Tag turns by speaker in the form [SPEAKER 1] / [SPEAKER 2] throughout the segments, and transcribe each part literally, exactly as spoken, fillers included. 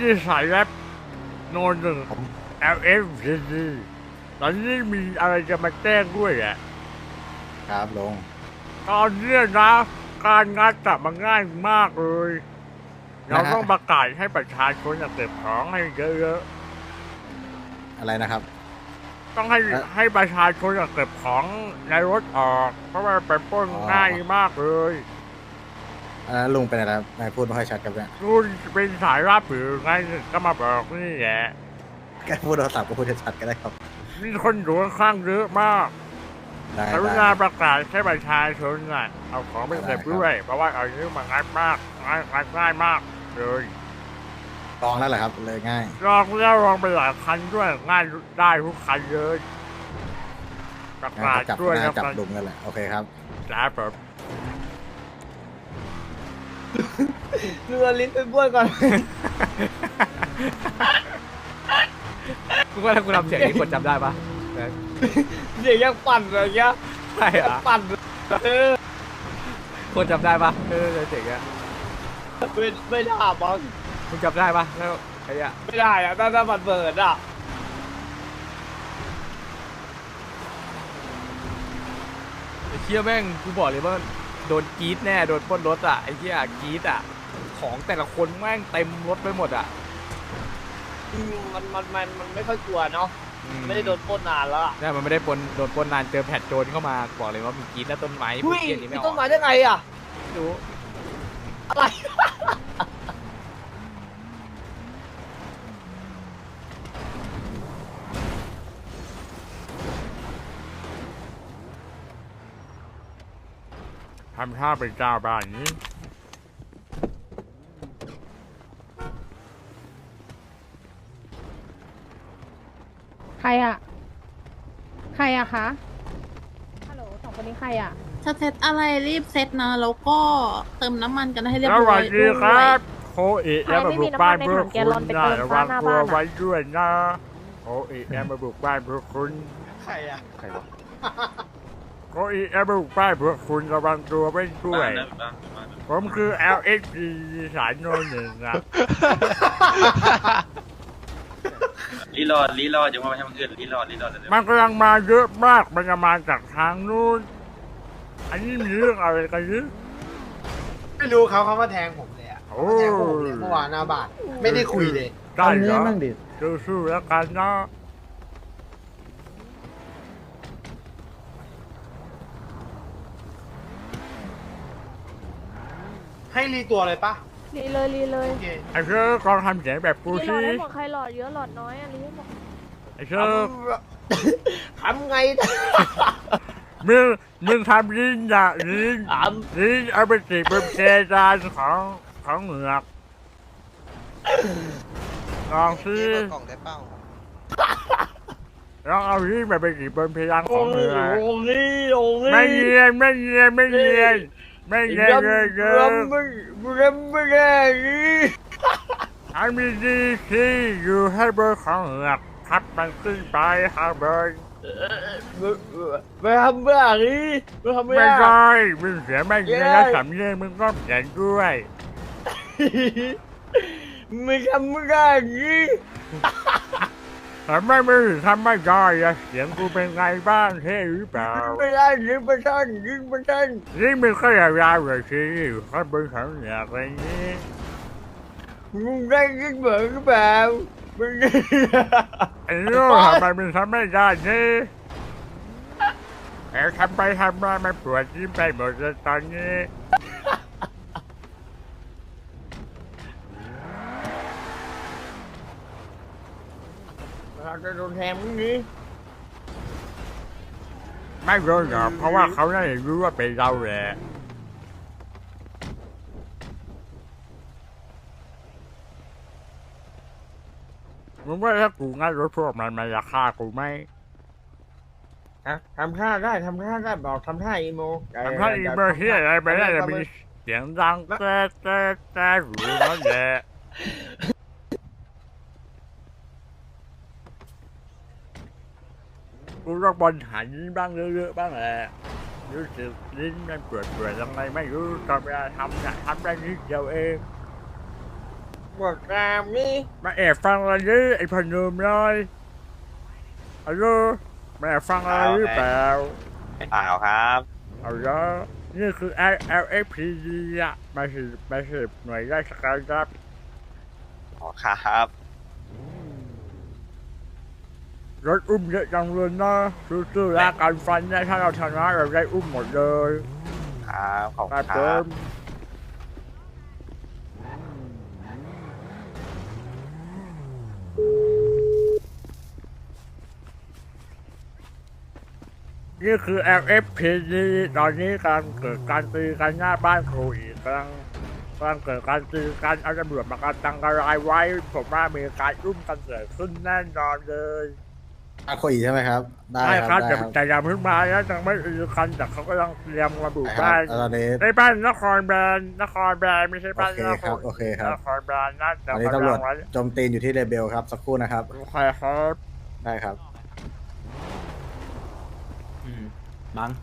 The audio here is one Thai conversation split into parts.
[SPEAKER 1] สายแรปโนหนึ่ง แอล เอฟ ซี ซี ตอนนี้มีอะไรจะมาแจ้งด้วยอ่ะ
[SPEAKER 2] ครับลุง
[SPEAKER 1] ตอนนี้นะการงานจับมันง่ายมากเลย เราต้องประกาศให้ประชาชนเก็บของให้เยอะ
[SPEAKER 2] อะไรนะครับ
[SPEAKER 1] ๆต้องให้
[SPEAKER 2] เอ่อ
[SPEAKER 1] ให้ประชาชนเก็บของในรถออก เพราะว่าไปปล้น
[SPEAKER 2] อ๋อ
[SPEAKER 1] ง่ายมากเลย
[SPEAKER 2] อันนั้นลุงเป็นอะไรครับนายพูดไม่ค่อยชัดครับเนี่ย
[SPEAKER 1] คุณเป็นสายรับหรือไงก็มาบอกนี่แหละ
[SPEAKER 2] แค่พูดโทรศัพท์ก็พูดชัดๆก็ได้ครับ
[SPEAKER 1] มีคนอยู่ข้างๆเยอะมาก
[SPEAKER 2] ได้
[SPEAKER 1] กรุ
[SPEAKER 2] ได้
[SPEAKER 1] ณาประกาศให้ประชาชนน่ะเอาของไปเก็บด้วย เพราะว่าเอาเรื่องมันง่ายมากง่ายง่ายมากเลย
[SPEAKER 2] ลองแล้วเหรอครับเลยง่าย
[SPEAKER 1] ลองแล้วลองไปหลายคันด้วยง่ายได้ทุกคันเลยประ
[SPEAKER 2] งั้น
[SPEAKER 1] กาศ
[SPEAKER 2] ก็จับ
[SPEAKER 1] ด้วย
[SPEAKER 2] หน้า
[SPEAKER 1] นะ
[SPEAKER 2] จับ
[SPEAKER 1] ครับ
[SPEAKER 2] ลุงกันแหละโอเคครับ
[SPEAKER 1] จ้าผม
[SPEAKER 3] เรือลิ้นไปบ้วนก่อน
[SPEAKER 4] กูว่าถ้ากูทำเสียงนี้คนจำได้ปะ
[SPEAKER 3] เสียงยังปั่นเลยเงี้ย
[SPEAKER 4] ใช่
[SPEAKER 3] ยัง
[SPEAKER 4] อะ
[SPEAKER 3] ปั่นเออ
[SPEAKER 4] คนจำได้ปะเออเสียงเนี้ย
[SPEAKER 3] ไม่ไม่ได้บอล
[SPEAKER 4] มึงจำได้ปะแล้วไอ้เนี้ย
[SPEAKER 3] ไม่ได้อะถ้าถ้ามันเบิดอ่ะ
[SPEAKER 4] ไอ้เชี่ยแม่งกูบอกเลยว่าโดนกรีดแน่โดนปล้นรถอ่ะไอ้เชี่ยกรีดอ่ะของแต่ละคนแม่งเต็มรถไปหมดอ่ะ
[SPEAKER 3] อืมมันมันมันมันไม่ค่อยกลัวเนาะไม่ได้โดนปล้นนานแล้วอะ
[SPEAKER 4] เนี่ยมันไม่ได้ปล้นโดนปล้นนานเจอแผดโจรเข้ามาบอกเลยว่ามีกรีดและต้นไม้พว
[SPEAKER 3] หุ้
[SPEAKER 4] ก
[SPEAKER 3] ย
[SPEAKER 4] เกี้ยนี้
[SPEAKER 3] มี
[SPEAKER 4] ไม่อ
[SPEAKER 3] ต้
[SPEAKER 4] อน ก
[SPEAKER 3] ไม้ได้ไงอ่ะ
[SPEAKER 4] ไม่รู้
[SPEAKER 3] อะไร
[SPEAKER 1] ทำท่าเป็นเจ้าบ้านนี้
[SPEAKER 5] ใครอะใครอะคะฮัลโหลสองคนนี้ใครอะ
[SPEAKER 6] จะเซตอะไรรีบเซตนะ แล้วก็เติมน้ำมันกันให้เรียบ
[SPEAKER 1] ส
[SPEAKER 6] ร้
[SPEAKER 1] วั
[SPEAKER 6] อ
[SPEAKER 1] ส
[SPEAKER 6] ย
[SPEAKER 1] ดีครับโคอิแล้วมาบุกบ้านเพื่อคุณนะระวังตัวไว้ด้วยนะโคอิแล้วมาบุกบ้านเพื่อคุณ
[SPEAKER 3] ใครอ่ะ
[SPEAKER 4] ใครวะ
[SPEAKER 1] โคอิแล้วมาบุกบ้านเพื่อคุณระวังตัวไว้ด้วย ผมคือ แอล เอ็กซ์ ซี สายโนหนึ่งนะ
[SPEAKER 7] รีรอดรีรอดอย่ามาทำเกินรีรอดรีรอดเลย
[SPEAKER 1] มันกำลังมาเยอะมากมันจะมาจากทางนู้นอันนี้มีเรื่องอะไรกันหรือ
[SPEAKER 8] ไม่รู้เขาเขามาแทงผมเลยอ่ะ
[SPEAKER 1] โอ้
[SPEAKER 8] มาแทงผมเลยเมื่อวานหน้าบ้านไม่ได้คุยเลย
[SPEAKER 1] ได้เหรอสู้ๆแล้วกันนะ
[SPEAKER 8] ให้รีตัวเลยปะ
[SPEAKER 5] รีเลยรีเลย
[SPEAKER 8] โอเค
[SPEAKER 1] ไอ้เชอร์กองทำเสียงแบบกู
[SPEAKER 5] รีหลอ
[SPEAKER 1] สิ
[SPEAKER 5] ดได้หมดใครหลอดเยอะหลอดน้อยอะรีให้หมด
[SPEAKER 1] ไอ้เชอร์
[SPEAKER 3] ทำไง
[SPEAKER 1] มึงมึงทำลิ้นอะลิ้น
[SPEAKER 3] ถาม
[SPEAKER 1] ลิ้นเอาไปติดบนเพดานของของเหงือกลองสิ
[SPEAKER 9] กล่องได้เป้า
[SPEAKER 1] ลองเอาลิ้นไปไปติดบนเพดานข
[SPEAKER 3] โอ้
[SPEAKER 1] องเหงือก
[SPEAKER 3] โหนี่โอ้โห
[SPEAKER 1] ไม่เงียนไม่เงียนไม่เงียนไม่เงียนเลยเกิ
[SPEAKER 3] ร
[SPEAKER 1] น
[SPEAKER 3] ไม่รไม่ได้นี่
[SPEAKER 1] อันมีดีที่อยู่ให้บนของเหงือกทับมันขึ้นไปข้างบน
[SPEAKER 3] ไม่ทำแบบนี้ไม่ทำ
[SPEAKER 1] ไม่
[SPEAKER 3] ไม่ได้
[SPEAKER 1] ได้มึงเสียไม่เงียนแล้วสำเนียงมึงก็เขียนด้วย
[SPEAKER 3] ไม่ทำไม่ได้นี่
[SPEAKER 1] ทำไมมึงทำไม่ได้อะเสียงกูเป็นไงบ้างเท่หรือเปล่า
[SPEAKER 3] ไม่ได้ยิงไม่ทันยิงไม่ทัน
[SPEAKER 1] นี่มึงก็ยาวๆเลยสิอยู่ข้างบนของเหงือกอะไรนี้
[SPEAKER 3] มึงได้ยิงเหมือนหรือเปล่าไม่ได้
[SPEAKER 1] ไอ้โน่ทำไมมึงทำไม่ได้นี่แอบทำไปทำมามันปวดยิ้มไปหมดเลยตอนนี้
[SPEAKER 3] เราจะโดนแทงมึงนี้
[SPEAKER 1] ไม่รู้หรอกเพราะว่าเขาได้รู้ว่าเป็นเราแหละมึงว่าถ้ากูงัดรถพวกมันมันจะฆ่ากูไหม
[SPEAKER 3] ทำท่าได้ทำท่าได้บอกทำท่าอีโม
[SPEAKER 1] ทำท่าอีเมอร์เฮียอะไรไปได้จะมีเสียงดังแต่แต่แต่หูนั่นแหละกูต้องบอลหันบ้างเยอะๆบ้างแหละรู้สึกลิ้นมันปวดๆยังไงไม่รู้ตอนเวลาทำเนี่ยทำได้นิดเดียวเอง
[SPEAKER 3] บอกตามนี่
[SPEAKER 1] มาแอบฟังอะไรนี่ไอ้พนมเลยฮัลโหลมาแอบฟังอะไรหรือเปล่า
[SPEAKER 7] เปล่าครับ
[SPEAKER 1] เอาละนี่คือ แอล เอฟ พี ดี อะมาสืบมาสืบหน่วยราชการครับ
[SPEAKER 7] อ๋อครับ
[SPEAKER 1] รถอุ้มเยอะจังเลยนะสู้ๆแล้วการฟันเนี่ยถ้าเราชนะเราได้อุ้มหมดเลย
[SPEAKER 7] ครับขอบ
[SPEAKER 1] ค
[SPEAKER 7] คุ
[SPEAKER 1] รั
[SPEAKER 7] ณ
[SPEAKER 1] บ
[SPEAKER 7] ค
[SPEAKER 1] ผ
[SPEAKER 7] รับ
[SPEAKER 1] มนี่คือ แอล เอฟ พี ดี ตอนนี้กำลังเกิดการตีกันหน้าบ้านครูอีกกำลังกำลังเกิดการตีกันเอาตำรวจมากันตังกระไรไว้ ผมว่ามีการอุ้มกันเกิดขึ้นแน่นอนเลย
[SPEAKER 2] อาโคอีใช่ไหมครับ ได้
[SPEAKER 1] ใช่
[SPEAKER 2] ค
[SPEAKER 1] ค
[SPEAKER 2] รั
[SPEAKER 1] รั
[SPEAKER 2] บบ ได้
[SPEAKER 1] แต่
[SPEAKER 2] ครับ
[SPEAKER 1] แต่ยังเพิ่งมานะยังไม่อือกันแต่เขากำลังเตรียมระบุ
[SPEAKER 2] ได้ค
[SPEAKER 1] บ้า
[SPEAKER 2] รับ
[SPEAKER 1] น
[SPEAKER 2] แล้วตอนนี้
[SPEAKER 1] ในบ้านนครแบรนด์นครแบรนด์ไม่ใช่
[SPEAKER 2] โอ
[SPEAKER 1] บ้าน
[SPEAKER 2] เคน ครับโอเคครับ
[SPEAKER 1] นครแบรนด์นะ
[SPEAKER 2] ต
[SPEAKER 1] แต่
[SPEAKER 2] อนนี้
[SPEAKER 1] กำ
[SPEAKER 2] ตำร
[SPEAKER 1] ลั
[SPEAKER 2] วจ
[SPEAKER 1] งไว้
[SPEAKER 2] โจมตีนอยู่ที่เรเบลครับสักครู่นะครับ
[SPEAKER 1] โอเคครับ
[SPEAKER 2] ได้ครับ
[SPEAKER 4] มั้ง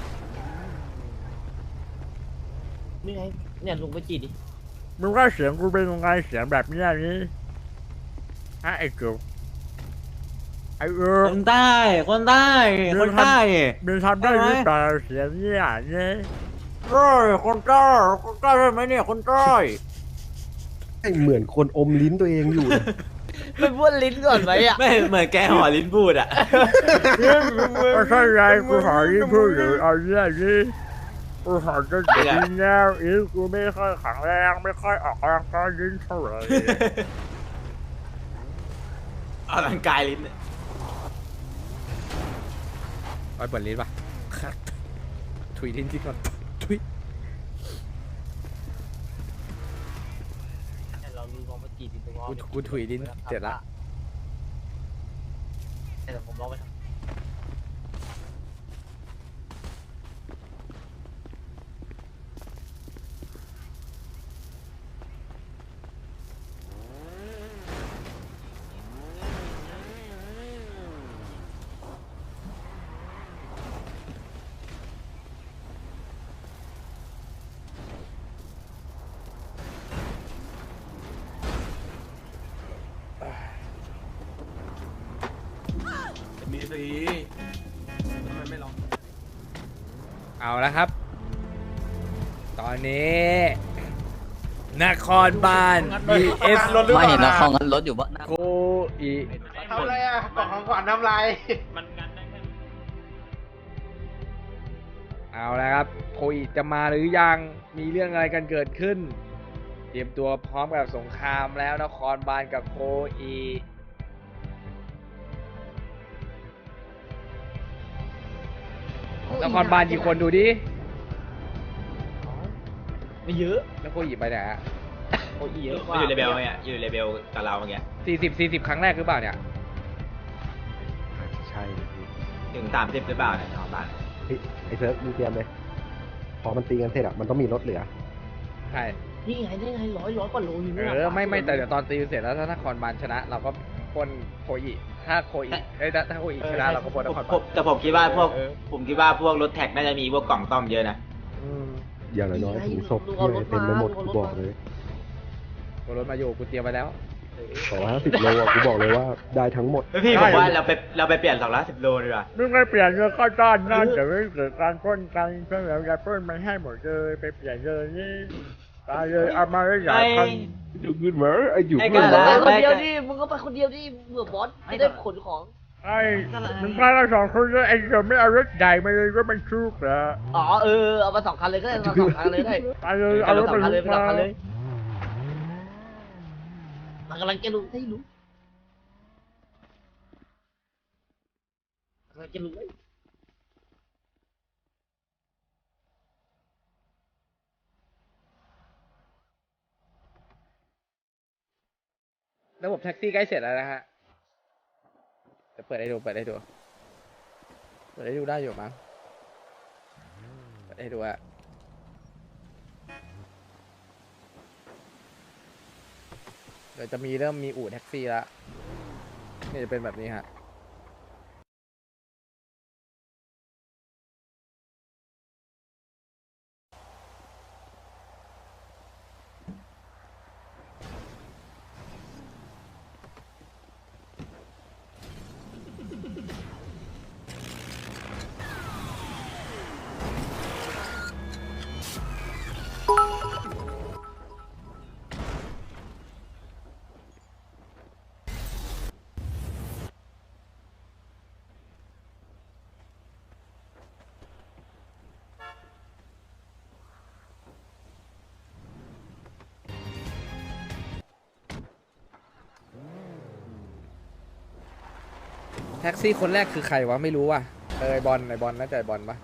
[SPEAKER 3] นี่ไงเนี่ยลุงไปจีดดิ
[SPEAKER 1] มึงว่าเสียงกูเป็นยังไงเสียงแบบเนี้ยนี้ฮะไอ้กูไอ้เออ
[SPEAKER 9] คนใต้คนใต้คนใต้
[SPEAKER 1] มึงทำได้หรือเปล่าเสียงเนี่ยเนี่ย
[SPEAKER 9] โอ้ยคนใต้คนใต้ได้ไหมเนี่ยคนใต้
[SPEAKER 10] เหมือนคนอมลิ้นตัวเองอยู่
[SPEAKER 3] ไม่บ้วนลิ้นก่อนไหมอ่ะ
[SPEAKER 9] ไม่เหมือนแกห่อลิ้นพูดอ่ะ
[SPEAKER 1] ก็ใช่ไงกูหาที่พูดอยู่เอาเนี่ยนี่กูหาจะกินแล้วอีกกูไม่ค่อยแข็งแรงไม่ค่อยออกกำลังกายลิ้นเท่าไหร่
[SPEAKER 9] ออกกำลังกายลิ้น
[SPEAKER 4] ไอ้เปิดลิ้นป่ะครับถุยทิ้งทิ้งก่อนถุย
[SPEAKER 3] เราลุงลองไปจีดดิลุงลอง
[SPEAKER 4] กูกูถุยลิ้นเสร็จละ
[SPEAKER 3] เดี๋ยวผมลองไปทำ
[SPEAKER 9] มีสีทำไมไม่ลอง
[SPEAKER 4] เอาละครับ ตอนนี้ นครบาล บี เอส
[SPEAKER 9] ไม่เห็นเราของกันรถอยู่บ้าน
[SPEAKER 4] โคอี
[SPEAKER 8] ทำอะไรอ่ะกล่องของขวัญน้ำลาย
[SPEAKER 3] มันกันได้แค่
[SPEAKER 4] เอาละครับ โคอีจะมาหรือยังมีเรื่องอะไรกันเกิดขึ้น เตรียมตัวพร้อมกับสงครามแล้วนครบาลกับโคอีนครบาลกี่คนดูดิ
[SPEAKER 3] ไม่เยอะ
[SPEAKER 4] แล้วโคอีไปไหนฮะ
[SPEAKER 3] โอ้ยเยอะ
[SPEAKER 9] มันอยู่เลเบลเนี่ยอยู่เลเบลกับเราเมื่อกี้
[SPEAKER 4] สี่สิบสี่สิบครั้งแรกหรือเปล่าเนี่ย
[SPEAKER 10] ใช่พี่
[SPEAKER 9] ถึงสามสิบหรือเปล่าเนี่ยของบ้าน
[SPEAKER 10] เฮ้ยไอ้เซิร์ฟมึงเตรียมเลย พอมันตีกันเสร็จอะมันต้องมีรถเหลือ
[SPEAKER 4] ใช่
[SPEAKER 3] นี่ไงนี่ไงร้อยร้อยกว่าโลอยู่
[SPEAKER 4] เอ
[SPEAKER 3] เนี่ย
[SPEAKER 4] อไม่ไม่แต่เดี๋ยวตอนตีเสร็จแล้วถ้านครบาลชนะ เราก็ปล้นโคอีถ้าโคอีเอ้ยถ้าถ้าโคอีชนะเราก็ปล้นนคร
[SPEAKER 9] ผ
[SPEAKER 4] บาล
[SPEAKER 9] มแต่ผมคิดว่าพวก
[SPEAKER 4] เออ
[SPEAKER 9] ผมคิดว่าพวกรถแท็กน่าจะมีพวกกล่องต้อมเยอะนะ
[SPEAKER 10] อย่างน้อยๆถุงศพที่อะไรเต็มไปหมดกูบอกเลย
[SPEAKER 4] กูรถมาอยู่กูเตรียมไปแล้ว
[SPEAKER 10] สองร้อยห้าสิบโลอะกูบอกเลยว่าได้ทั้งหมด
[SPEAKER 9] เฮ้ยพี่ผมว่าเราไปเราไปเปลี่ยนสองร้อยสิบโลดีกว่า
[SPEAKER 1] มึงไม่เปลี่ยนเงินเข้าต้อนนะแต่ไม่เกิดการปล้นกันเพื่อนเราจะปล้นมันให้หมดเลยไปเปลี่ยนเลยนี่ตายเลยเอามาได้หลายพัน
[SPEAKER 10] อยู่เงินเหมือไอ้อยู่
[SPEAKER 9] ไอ้
[SPEAKER 10] เงิน
[SPEAKER 9] ก
[SPEAKER 10] เหมื
[SPEAKER 9] ระ
[SPEAKER 10] อ
[SPEAKER 9] ดาษ
[SPEAKER 3] ไปคนเดียวดิมึงก็ไปคนเดียวดิเบื่อบอสจะได้ขนของ
[SPEAKER 1] ไอ้มึงพาเราสองคนเลยไอ้เดี๋ยวไม่เอารถใหญ่มาเลยรถมันชุกเหรอ
[SPEAKER 3] อ๋อเออเอามาสองคันเลยก็ได้เอามาสองคันเลยได้
[SPEAKER 1] ไปเลยเอารถ
[SPEAKER 3] สอ
[SPEAKER 1] มั
[SPEAKER 3] ง
[SPEAKER 1] น
[SPEAKER 3] คันเลย
[SPEAKER 1] ชุก
[SPEAKER 3] ไปสอ
[SPEAKER 1] มาง
[SPEAKER 3] คันเลยมันกำลังจะรู้ให้รู้กำลังจะรู้
[SPEAKER 4] ระบบแท็กซี่ใกล้เสร็จแล้วนะฮะจะเปิดให้ดูเปิดให้ดูเปิดให้ดูได้อยู่มั้งเปิดให้ดูอะเดี๋ยวจะมีเริ่มมีอู่แท็กซี่แล้วนี่จะเป็นแบบนี้ฮะท็กซี่คนแรกคือใครวะไม่รู้ว่ะเออไอบอลไอบอลน่าจะไอบอลปะ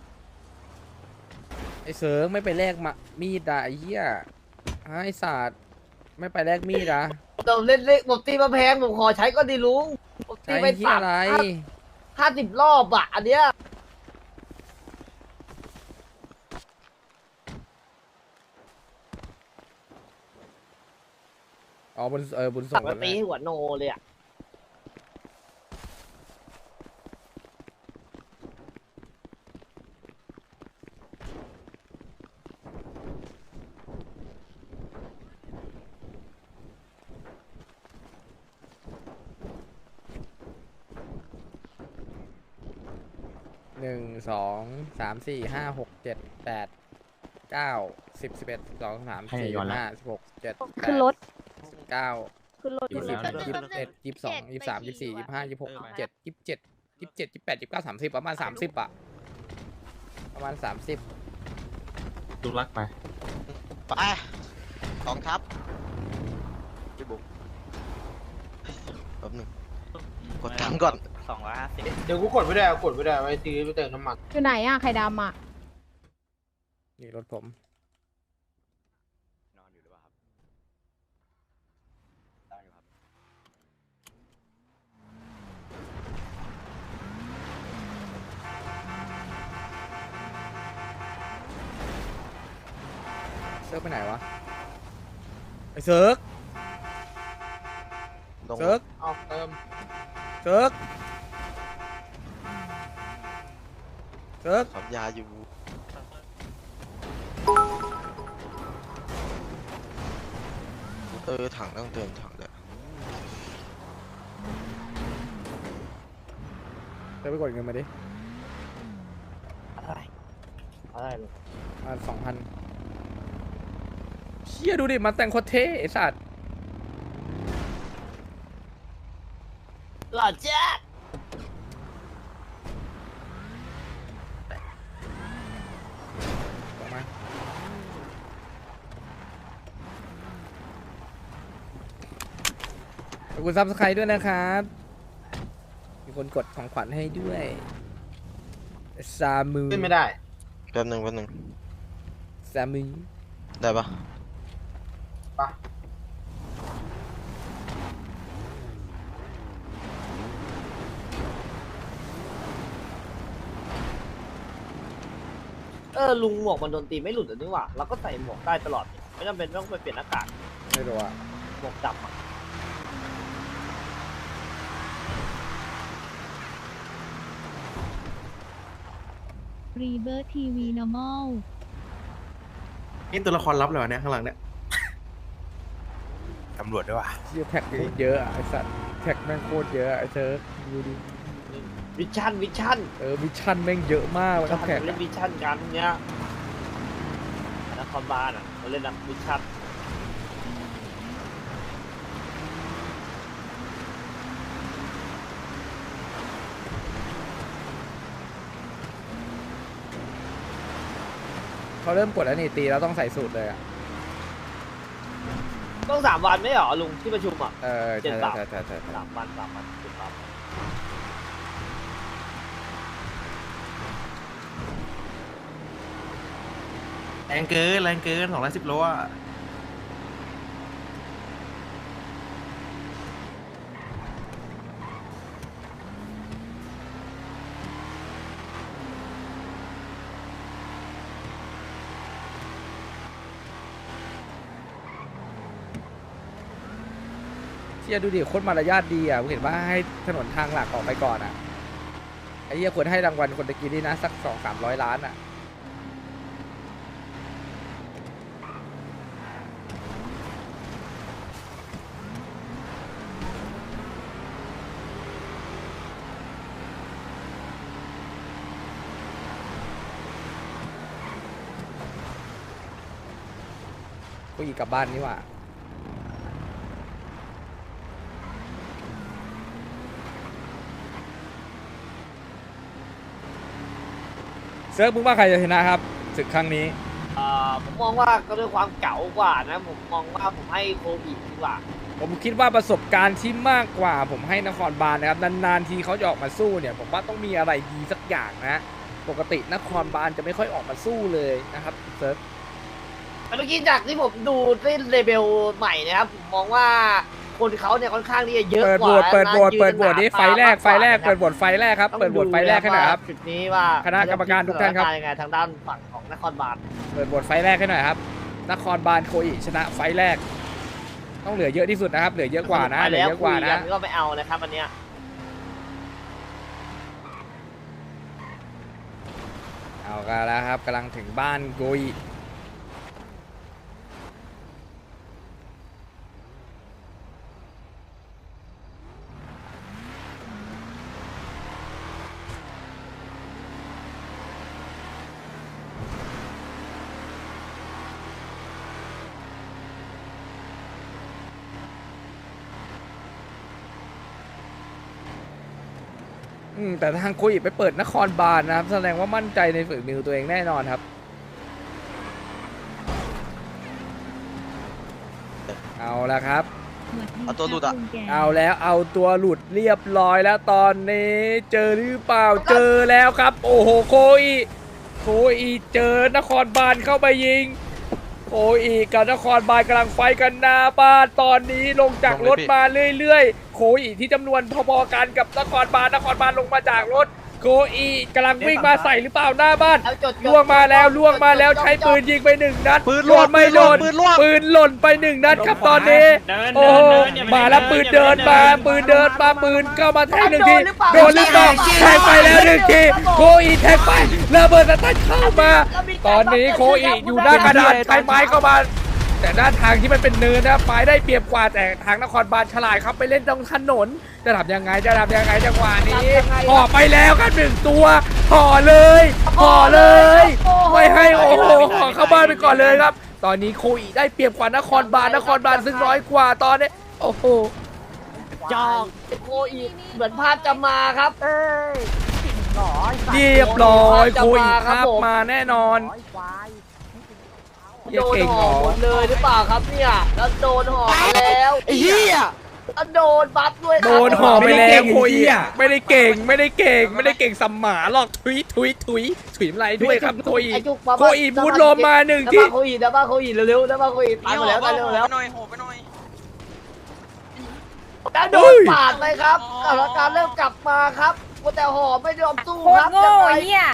[SPEAKER 4] ไอเซิร์งไม่ไปแลกมามีดอะไอ้เหี้ยฮะไอศาสตร์ไม่ไปแลกมีดอะ
[SPEAKER 3] เราเล่นเล่นผมตีมาแพงผมขอใช้ก็ดีลุงผมตี
[SPEAKER 4] ใช้
[SPEAKER 3] ไป
[SPEAKER 4] ที่
[SPEAKER 3] สาม
[SPEAKER 4] อะไร
[SPEAKER 3] ห้าสิบรอบอะอันเนี้ย
[SPEAKER 4] อ๋อบนเออบนส่
[SPEAKER 3] สั่
[SPEAKER 4] ง
[SPEAKER 3] ง
[SPEAKER 4] ค
[SPEAKER 3] มาน
[SPEAKER 4] แร
[SPEAKER 3] ตี
[SPEAKER 4] ก
[SPEAKER 3] หัวโนเลยอะ
[SPEAKER 4] หนึ่งสองสามสี่ห้าหกเจ็ดแปดเก้าสิบสิบเอ็ดสองสามสี่ห้าสิบหกเจ็ดแป
[SPEAKER 5] ขึ้น
[SPEAKER 4] ด
[SPEAKER 5] รถ
[SPEAKER 4] เก้า
[SPEAKER 5] ขึ้นรถ
[SPEAKER 4] ยี่สิบ
[SPEAKER 5] ขึ้นรถ
[SPEAKER 4] ยี่สิบเอ็ดยี่สิบสองยี่สิบสามยี่สิบสี่ยี่สิบห้ายี่สิบหกยี่สิบเจ็ดยี่สิบเจ็ดยี่สิบเจ็ดยี่สิบแปดยี่สิบเก้าสามสิบประมาณสามสิบอะประมาณสามสิบ
[SPEAKER 7] ลูกรักไป
[SPEAKER 8] ไปกองทัพพี่บุ๊กแป๊บหนึงกดตังค์ก่อน
[SPEAKER 7] สองร้อยห้าสิบ
[SPEAKER 8] เดี๋ยวกูกดไม่ได้กดไม่ได้ไว้ซื้อไปเติมน้ำมัน
[SPEAKER 5] อยู่ไหนอะไข่ดำอะ
[SPEAKER 4] นี่รถผม
[SPEAKER 7] นอนอยู่หรือเปล่าครับนอนอยู่ครับ
[SPEAKER 4] เซิร์ฟไปไหนวะไอเซิร์ฟเซิร์ฟ
[SPEAKER 8] เอาเติม
[SPEAKER 4] เซิร์ฟเซิร์ฟ
[SPEAKER 8] ขับยาอยู่เออถังต้องเติมถังเลย
[SPEAKER 4] เซิร์ฟไปกดเงินมาดิ
[SPEAKER 3] อะไรอะไรลุง
[SPEAKER 4] มาสองพันเชี่ยดูดิมาแต่งโคตรเท่ไอสัตว์
[SPEAKER 3] หล่อแจ๊ก
[SPEAKER 4] ออกมาขอบคุณซับสไครต์ด้วยนะครับ มีคนกดของขวัญให้ด้วยซามู
[SPEAKER 8] ขึ้นไม่ได้แป๊บหนึงแป๊บหนึง
[SPEAKER 4] ซามู
[SPEAKER 8] ได้ปะปะ
[SPEAKER 3] เออลุงหมวกมันโดนตีไม่หลุดเลยนี่หว่าเราก็ใส่หมวกได้ตลอดนี่ไม่จำเป็นต้องไปเปลี่ยนหน้ากาก
[SPEAKER 4] ไม่รู้อะ
[SPEAKER 3] หมวกดำอะ
[SPEAKER 11] รีเบิร์ทีวีนอร์มอล
[SPEAKER 2] นี่ตัวละครลับเลยวะเนี่ยข้างหลังเนี่ยตำรวจด้วยวะ
[SPEAKER 4] เชี่ยแท็กโคตรเยอะอะไอสัตว์แท็กแม่งโคตรเยอะอะไอเซิร์ฟดูดิ
[SPEAKER 3] วิชั่นวิชั่น
[SPEAKER 4] เออมิชชั่นแม่งเยอะมากมัน
[SPEAKER 3] วิ
[SPEAKER 4] ก็แท็
[SPEAKER 3] ชั่
[SPEAKER 4] ก
[SPEAKER 3] นเล่นวิชั่นกันเนี้ยนครบาลอ่ะเขาเล่นนะวิชั่น
[SPEAKER 4] เขาเริ่มกดแล้วนี่ตีแล้วต้องใส่สูตรเลยอะ
[SPEAKER 3] ต้องสามวันไม่เหรอลุงที่ประชุมอ่ะ
[SPEAKER 4] เออ
[SPEAKER 3] เจ็ด
[SPEAKER 4] ใช่
[SPEAKER 3] สาม
[SPEAKER 4] ใช่ใช่ใช่
[SPEAKER 3] สามวันสามวันเจ็ดสาม
[SPEAKER 2] แรงเกินแรงเกินสองร้อยสิบโลอ่ะ
[SPEAKER 4] เชี่ยดูดิโคตรมารยาทดีอ่ะผมเห็นว่าให้ถนนทางหลักออกไปก่อนอ่ะไอ้เหี้ยควรให้รางวัลคนตะกี้นี่นะสักสองสามร้อยล้านอ่ะกูอีกกลับบ้านนี่หว่าเซิร์ฟมึงว่าใครจะชนะครับศึกครั้งนี้
[SPEAKER 3] อ่าผมมองว่าก็ด้วยความเก๋ากว่านะ ผมมองว่าผมให้โควิดดีกว่า
[SPEAKER 4] ผมคิดว่าประสบการณ์ที่มากกว่าผมให้นครบาลนะครับนานๆทีเขาจะออกมาสู้เนี่ยผมว่าต้องมีอะไรดีสักอย่างนะปกตินครบาลจะไม่ค่อยออกมาสู้เลยนะครับเซิร์ฟ
[SPEAKER 3] เมื่อกี้จากที่ผมดูที่เลเบลใหม่นะครับผมมองว่าคนเขาเนี่ยค่อนข้างที่จะเยอะ
[SPEAKER 4] เปิด
[SPEAKER 3] ก
[SPEAKER 4] โหว
[SPEAKER 3] ว่า
[SPEAKER 4] ตเปิดโหวต
[SPEAKER 3] ยื
[SPEAKER 4] เปิดโหวตนี้ไฟแรกไฟแรก
[SPEAKER 3] มากว่า
[SPEAKER 4] เปิดโหวตไฟแรกครับเปิดโหวตไฟแรกให้หน่อยครับ
[SPEAKER 3] จุดนี้ว่า
[SPEAKER 4] คณะกรรมการทุกท่านครับ
[SPEAKER 3] สถยังไงทางด้านฝั่งของนครบาล
[SPEAKER 4] เปิดโหวตไฟแรกให้หน่อยครับนครบาลโคอิชนะไฟแรก ต้องเหลือเยอะที่สุดนะครับเหลือเยอะกว่านะเหลือ
[SPEAKER 3] แล้ว
[SPEAKER 4] เยอะกว่า
[SPEAKER 3] คุย
[SPEAKER 4] นะ
[SPEAKER 3] ก็ไม่เอานะครับอันเนี้ย
[SPEAKER 4] เอากันแล้วครับกำลังถึงบ้านโกอิอืมแต่ทางโคอิไปเปิดนครบาลนะครับแสดงว่ามั่นใจในฝีมือตัวเองแน่นอนครับเอาละครับ
[SPEAKER 8] เอาตัวหลุดอะ
[SPEAKER 4] เอาแล้วเอาตัวหลุดเรียบร้อยแล้วตอนนี้เจอหรือเปล่าเจอแล้วครับ โอ้โหโคอิโคอิเจอนครบาลเข้าไปยิงโคอิกับนครบาลกำลังไฟกันหน้าบ้านตอนนี้ลงจากรถมาเรื่อยๆโคอิที่จำนวนพอๆกันกับนครบาลนครบาลลงมาจากรถโคอิกำลังวิ่งมาใส่หรือเปล่าหน้าบ้าน
[SPEAKER 3] เอาจด
[SPEAKER 4] ล่วงมาแล้วล่วงมาแล้วใช้ปืนยิงไปหนึ่งนัด
[SPEAKER 8] ปืน
[SPEAKER 4] โด
[SPEAKER 8] ล่วง
[SPEAKER 4] นไม่โดน
[SPEAKER 8] ปืนล่วง
[SPEAKER 4] ปืนหล่นไปหนึ่งนัดครับตอนนี้โอ้โหมาแล้วปืนเดินมาปืนเดินมาปืนเข้ามาแทงหนึ่งทีโดนหรือเปล่าแทงไปแล้วหนึ่งทีโคอีแทงไประเบิดสตันเข้ามา ตอนนี้โคอีอยู่หน้ากระดานใช้ไม้เข้ามาแต่ด้านทางที่มันเป็นเนินนะฝ่ายได้เปรียบกว่าแต่ทางนครบาลฉลาดครับไปเล่นตรงถนนจะทำยังไงจะทำยังไงจังหวะนี้ห่อไปแล้วครับหนึ่งตัวห่อเลยห่อเลยไม่ให้โอ้โหห่อเข้าบ้านไปก่อนเลยครับตอนนี้โคอีได้เปรียบกว่านครบาลนครบาลซึ่งน้อยกว่าตอนนี้โอ้โห
[SPEAKER 3] จองโคอีเหมือนภาพจะมาครับ เอ้ยหนอ
[SPEAKER 4] เรียบร้อยโคอีครับมาแน่นอน
[SPEAKER 3] โดนห่อหมดเลยหรือเปล่าครับเนี่ยแล้วโดนห่อแล้วไอ้เหี้ยแล้วโดนบัฟด้วยครับ
[SPEAKER 4] โดนห่อไปแล้วโคอีไม่ได้เก่งไม่ได้เก่งไม่ได้เก่งสัมหมาหรอกทุยทุยทุยถุยอะไรด้วยครับโคอี
[SPEAKER 3] ไจุกมา
[SPEAKER 4] โคอีบูทลมมาหนึ่ง
[SPEAKER 3] นะ
[SPEAKER 4] ที
[SPEAKER 3] บ้าโคอีนะบ้าโคอีเร็วๆนะบ้าโคอีตายหมดแล้วตายเร็วแล้ว
[SPEAKER 8] หน่อยโหไปหน่อย
[SPEAKER 3] แล้วโดนปาดเลยครับสถานการณ์เริ่มกลับมาครับแต่ห่อไม่ยอมสู้ครับยังไง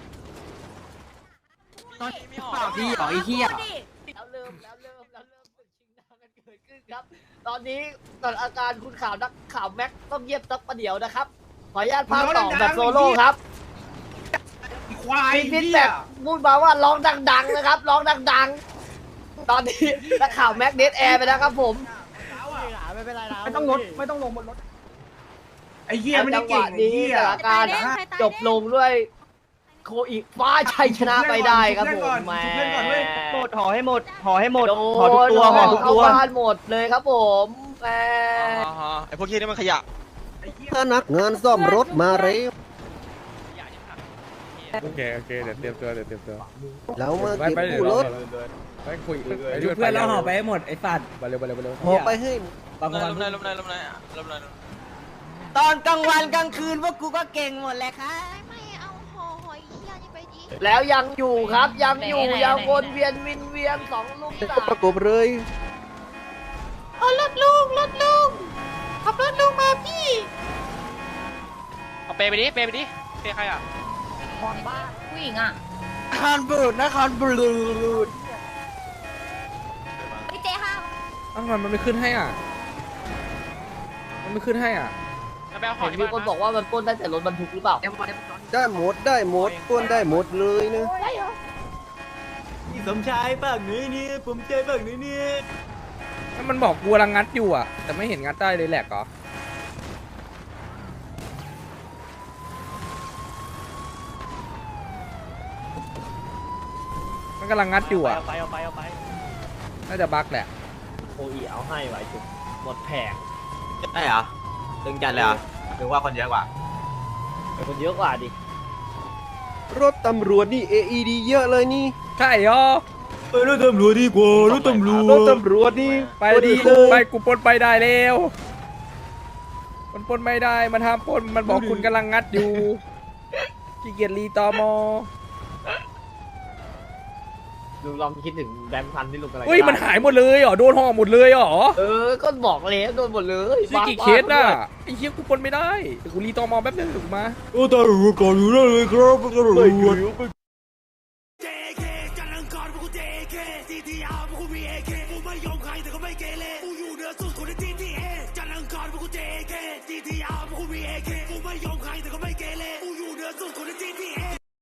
[SPEAKER 8] พี่อ๋อไอ้เหี้ย
[SPEAKER 3] แล้วเริ่มแล้วเริ่มแล้วเริ่มศึกชิงดาวกันเกิดขึ้นครับ ตอนนี้สถานการณ์คุณข่าวนักข่าวแม็กต้องเยียบสักประเดี๋ยวนะครับ ขออนุญาตพากต่อแบบโซโล่ครับ
[SPEAKER 9] ควาย
[SPEAKER 3] มีพิษแบบพูดมาว่าร้องดังๆนะครับร้องดังๆ ตอนนี้นักข่าวแม็กเดดแอร์ไปแล้วครับผม
[SPEAKER 9] ไม่ต้องลดไม่ต้องลงบนรถไอ้เหี้ยไม่ได้
[SPEAKER 3] จังห
[SPEAKER 9] เก่ง
[SPEAKER 3] วะ
[SPEAKER 9] ไอ้
[SPEAKER 3] นี้
[SPEAKER 9] เหี้ย
[SPEAKER 3] สถานการณ์จบลงด้วยโคอีฟ้าชัยชนะไปได้ครับผมแหม่
[SPEAKER 9] หมดห่อให้หมดห่อให้หมด
[SPEAKER 3] โด
[SPEAKER 9] ห่อทุกตัวห่อทุก
[SPEAKER 3] เข้า
[SPEAKER 9] ตัว
[SPEAKER 3] บ้านหมดเลยครับผมแหม
[SPEAKER 8] ไอ้พวกเหี้ยนี่มันขยะ
[SPEAKER 10] พนักงานซ่อมรถมาเร็ว
[SPEAKER 4] โอเคโอเคเดี๋ยวเตรียมตัวเดี๋ยวเตรียมตัว
[SPEAKER 10] แล้วมา
[SPEAKER 4] ไป
[SPEAKER 10] เก็บ
[SPEAKER 4] ไปเดี๋ยว
[SPEAKER 10] กู้รถ
[SPEAKER 4] ไปคุย
[SPEAKER 12] เพื่อนเราห่อไปให้หมดไอ้สัตว์
[SPEAKER 4] ไปเร็วไปเร็วไปเร็ว
[SPEAKER 10] ห่อไปให้
[SPEAKER 12] บางคน
[SPEAKER 8] ลมเลยลมเลยลมเลยลมเลย
[SPEAKER 12] ตอนกลางวันกลางคืนพวกกูก็เก่งหมดแหละค่ะ
[SPEAKER 11] ไม่เอาห่อหอยเหี้ยนี่ไปดิ
[SPEAKER 3] แล้วยังอยู่ครับยังอยู่ยังวนเวียนวินเวียนสองลูกสาม
[SPEAKER 10] ประกบเลย
[SPEAKER 11] เอารถลุงรถลุงขับรถลุงมาพี่
[SPEAKER 3] เอาเปไปดิเปไปดิเปใครอ่ะ
[SPEAKER 11] ผู้หญิงอ่ะ
[SPEAKER 12] นครบูดนครบูด
[SPEAKER 11] พี่เจห้า
[SPEAKER 4] อ้าวทำไมมันไม่ขึ้นให้อ่ะมันไม่ขึ้นให้อ่ะ
[SPEAKER 3] เห็นมีคนบอกว่ามันปล้นได้แต่รถบรรทุกหรือเปล่า
[SPEAKER 10] ได้หมดได้หมดต้วนได้หมดเลยนะ
[SPEAKER 12] สมชายฝั่งนี้นี่ผมใจฝั่งนี้นี่
[SPEAKER 4] แล้วมันบอกกูกำลังงัดอยู่อ่ะแต่ไม่เห็นงัดได้เลยแหลกเหรอมันกำลังงัดอยู่อ่ะ
[SPEAKER 3] เอาไปเอาไปเอาไป
[SPEAKER 4] น่าจะบั๊กแหละ
[SPEAKER 3] โอ้ยเอาให้ไว้จุกหมดแผง
[SPEAKER 12] ได้เหรอตึงจัดเลยเหรอถึงว่าคนเยอะกว่า
[SPEAKER 3] เป็นคนเยอะกว่าดิ
[SPEAKER 10] รถตำรวจนี่ เอ อี ดี เยอะเลยนี่
[SPEAKER 4] ใช่เหรอ
[SPEAKER 12] เออรถตำรวจดีกว่ารถตำรวจ
[SPEAKER 4] รถตำรวจนี่ไปดีไปกูปล้นไปได้แล้วมันปล้นไม่ได้มันห้ามปล้นมันบอกคุณกำลังงัดอยู่ขี้เกียจรีตอมอ
[SPEAKER 3] ลุงลองคิดถึงแบงค์พันที่ลุงกำลัง
[SPEAKER 4] เฮ้ยมันหายหมดเลยเหรอโดนห่อหมดเลยเหรอ
[SPEAKER 3] เออก็บอกแล้วโดนหมดเลย
[SPEAKER 4] นี่กี่เคสน่ะไอ้เหี้ยกูปล้นไม่ได้เดี๋ยวกูรีตอมอแป๊บนึงถึงมา
[SPEAKER 12] โอ้ตำรวจก่อนอยู่ได้เลยครับตำรวจ
[SPEAKER 11] กูไม่ยอมใครแต่ก็